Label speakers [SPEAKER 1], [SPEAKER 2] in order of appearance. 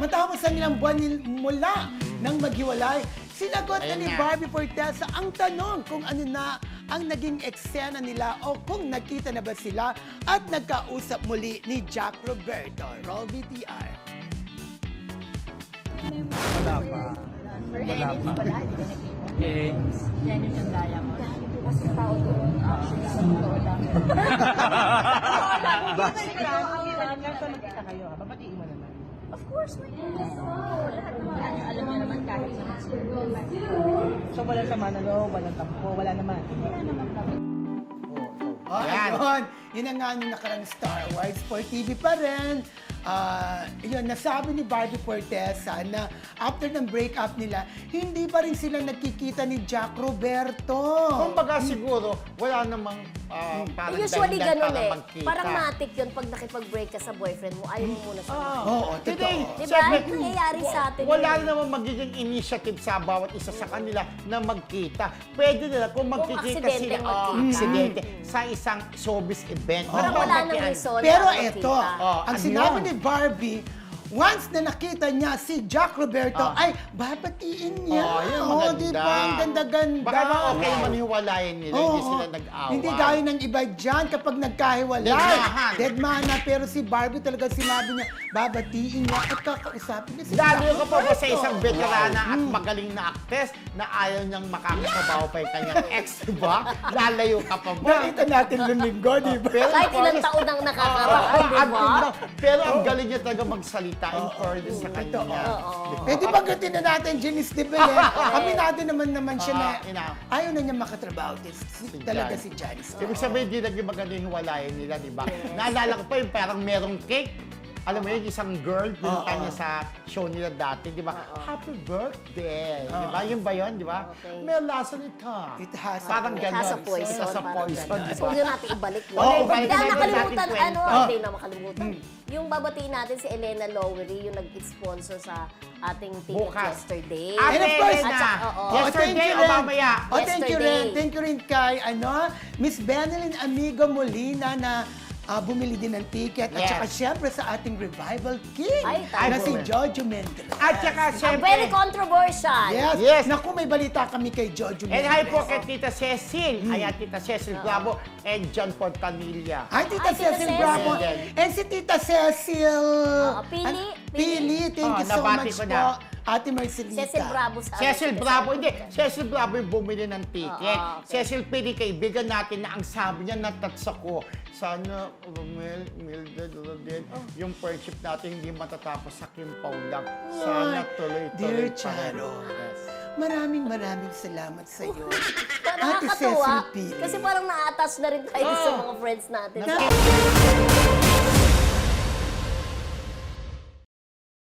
[SPEAKER 1] Matapos ang ilang buwan mula nang maghiwalay, sinagot na ni Barbie Fortesa ang tanong kung ano na ang naging eksena nila o kung nagkita na ba sila at nagkausap muli ni Jack Roberto. Roll VTR.
[SPEAKER 2] Wala pa. Wala pa. Eh,
[SPEAKER 3] Yan yung sandaya mo. Kasi tao doon, actually, sa totoo lang.
[SPEAKER 2] nakita kayo, babatiin mo naman.
[SPEAKER 3] Of course, may alam niyo naman kahit naman siguro.
[SPEAKER 2] So, walang sama na loob, walang tampo, wala naman.
[SPEAKER 3] Wala naman kami.
[SPEAKER 1] Ayun, yun ang nga yung nakarang Star Awards for TV pa rin. Yun, nasabi ni Barbie Fortesa na after ng breakup nila, hindi pa rin sila nagkikita ni Jack Roberto.
[SPEAKER 4] Kumbaga siguro, wala namang parang
[SPEAKER 5] Usually
[SPEAKER 4] dahilan
[SPEAKER 5] ganun
[SPEAKER 4] para
[SPEAKER 5] eh.
[SPEAKER 4] magkita.
[SPEAKER 5] Parang matik yun pag nakipag-break ka sa boyfriend mo, ayaw mo muna sa
[SPEAKER 1] Oo,
[SPEAKER 4] Hindi,
[SPEAKER 1] totoo.
[SPEAKER 5] Diba?
[SPEAKER 4] siyempre,
[SPEAKER 5] Nangyayari sa atin
[SPEAKER 4] wala
[SPEAKER 5] yun.
[SPEAKER 4] naman magiging initiative sa bawat isa sa kanila na magkita. Pwede nila kung magkikita
[SPEAKER 5] aksidenteng
[SPEAKER 4] sila,
[SPEAKER 5] magkita.
[SPEAKER 4] aksidente, sa isang showbiz event.
[SPEAKER 5] Parang
[SPEAKER 4] Diba,
[SPEAKER 5] wala nang
[SPEAKER 4] magkian-
[SPEAKER 5] reason.
[SPEAKER 1] Pero
[SPEAKER 5] na
[SPEAKER 1] eto,
[SPEAKER 5] magkita.
[SPEAKER 1] ang
[SPEAKER 4] ano
[SPEAKER 1] sinabi
[SPEAKER 4] yun?
[SPEAKER 1] ni Barbie, once na nakita niya si Jack Roberto, ay babatiin niya.
[SPEAKER 4] yun,
[SPEAKER 1] Oo,
[SPEAKER 4] maganda.
[SPEAKER 1] di ba? Ang ganda-ganda.
[SPEAKER 4] Baka naman okay naman hiwalayan nila, hindi
[SPEAKER 1] Oo.
[SPEAKER 4] sila nag-away.
[SPEAKER 1] Hindi gaya ng iba dyan kapag nagkahiwalay.
[SPEAKER 4] Deadmahan.
[SPEAKER 1] Deadman na. Pero si Barbie talaga sinabi niya, babatiin niya at kakausapin niya si
[SPEAKER 4] Lalo
[SPEAKER 1] Jack
[SPEAKER 4] ka pa ba sa
[SPEAKER 1] Roberto.
[SPEAKER 4] isang veterana at magaling na actress na ayaw niyang makakasabaw pa yung kanyang ex, diba? Lalayo ka pa ba?
[SPEAKER 1] Nakita natin noong linggo, di ba?
[SPEAKER 4] Pero
[SPEAKER 5] Kahit ilang
[SPEAKER 4] honest-
[SPEAKER 5] taon ang nakakaraan, di
[SPEAKER 4] At
[SPEAKER 5] ba?
[SPEAKER 4] yun lang. Pero ang galing niya talaga magsalita in fairness sa kanya.
[SPEAKER 1] Eh di ba gatin na natin, Janice de Belen? Kami natin naman siya na ayaw na niya makatrabaho. Talaga si Janice.
[SPEAKER 4] Ibig sabihin, di naging maganda yung hiwalayan nila, di ba? Naalala ko pa yung parang merong cake. Alam mo yun, isang girl, pinunta niya sa show nila dati, di ba? Happy birthday! Di ba? Yun ba yun, di ba?
[SPEAKER 5] Okay.
[SPEAKER 4] May lasa nito.
[SPEAKER 1] It has a
[SPEAKER 4] Parang
[SPEAKER 5] It
[SPEAKER 4] ganon.
[SPEAKER 5] has a poison.
[SPEAKER 4] It has a
[SPEAKER 5] parang
[SPEAKER 4] poison,
[SPEAKER 5] ganun.
[SPEAKER 4] di
[SPEAKER 5] So,
[SPEAKER 4] ba?
[SPEAKER 5] huwag natin ibalik yun.
[SPEAKER 4] Oo,
[SPEAKER 5] Hindi,
[SPEAKER 4] balik
[SPEAKER 5] ang
[SPEAKER 4] natin
[SPEAKER 5] nakalimutan,
[SPEAKER 4] natin
[SPEAKER 5] ano,
[SPEAKER 4] kwento.
[SPEAKER 5] hindi na makalimutan. Yung babatiin natin si Elena Lowery, yung nag-sponsor sa ating ticket
[SPEAKER 4] Bukas.
[SPEAKER 5] yesterday.
[SPEAKER 4] Ah,
[SPEAKER 1] And of course,
[SPEAKER 5] At saka, oo.
[SPEAKER 4] Yesterday o mamaya?
[SPEAKER 1] Oh, thank you rin.
[SPEAKER 5] Yesterday.
[SPEAKER 1] Thank you rin kay, Miss Benelyn Amigo Molina na bumili din ng ticket. At
[SPEAKER 4] Yes.
[SPEAKER 1] saka syempre sa ating Revival King
[SPEAKER 5] Ay,
[SPEAKER 1] na
[SPEAKER 5] tama.
[SPEAKER 1] si Jojo Mendez.
[SPEAKER 4] At saka,
[SPEAKER 5] Ang
[SPEAKER 4] syempre,
[SPEAKER 5] very controversial.
[SPEAKER 1] Yes.
[SPEAKER 4] Yes.
[SPEAKER 1] Naku, may balita kami kay Jojo
[SPEAKER 4] and
[SPEAKER 1] Mendez.
[SPEAKER 4] hi po kay Tita Cecil. Ayan, Tita Cecil Bravo and John Portanilla.
[SPEAKER 1] Ay, Tita
[SPEAKER 5] Ay, Tita
[SPEAKER 1] Cecil
[SPEAKER 5] Cecil.
[SPEAKER 1] Bravo. And si Tita Cecil.
[SPEAKER 5] Pili.
[SPEAKER 1] Pili. Thank you so
[SPEAKER 4] nabati
[SPEAKER 1] much
[SPEAKER 4] ko
[SPEAKER 1] po.
[SPEAKER 4] na.
[SPEAKER 1] Ate Marcelita.
[SPEAKER 5] Cecil Bravo sa
[SPEAKER 4] Cecil Bravo, hindi. Cecil Bravo yung bumili ng ticket.
[SPEAKER 5] Oo, okay.
[SPEAKER 4] Cecil Pili, kaibigan natin na ang sabi niya, natats ako. Sana, Romel, Mildred, Rodel, yung friendship natin hindi matatapos sa kimpaw lang. Sana
[SPEAKER 1] Dear
[SPEAKER 4] tuloy-tuloy pa rin.
[SPEAKER 1] Charo,
[SPEAKER 4] Yes.
[SPEAKER 1] maraming salamat sa iyo.
[SPEAKER 5] Nakakatuwa.
[SPEAKER 1] Cecil Pili.
[SPEAKER 5] Kasi parang na-attach na rin tayo sa mga friends natin.
[SPEAKER 1] Na-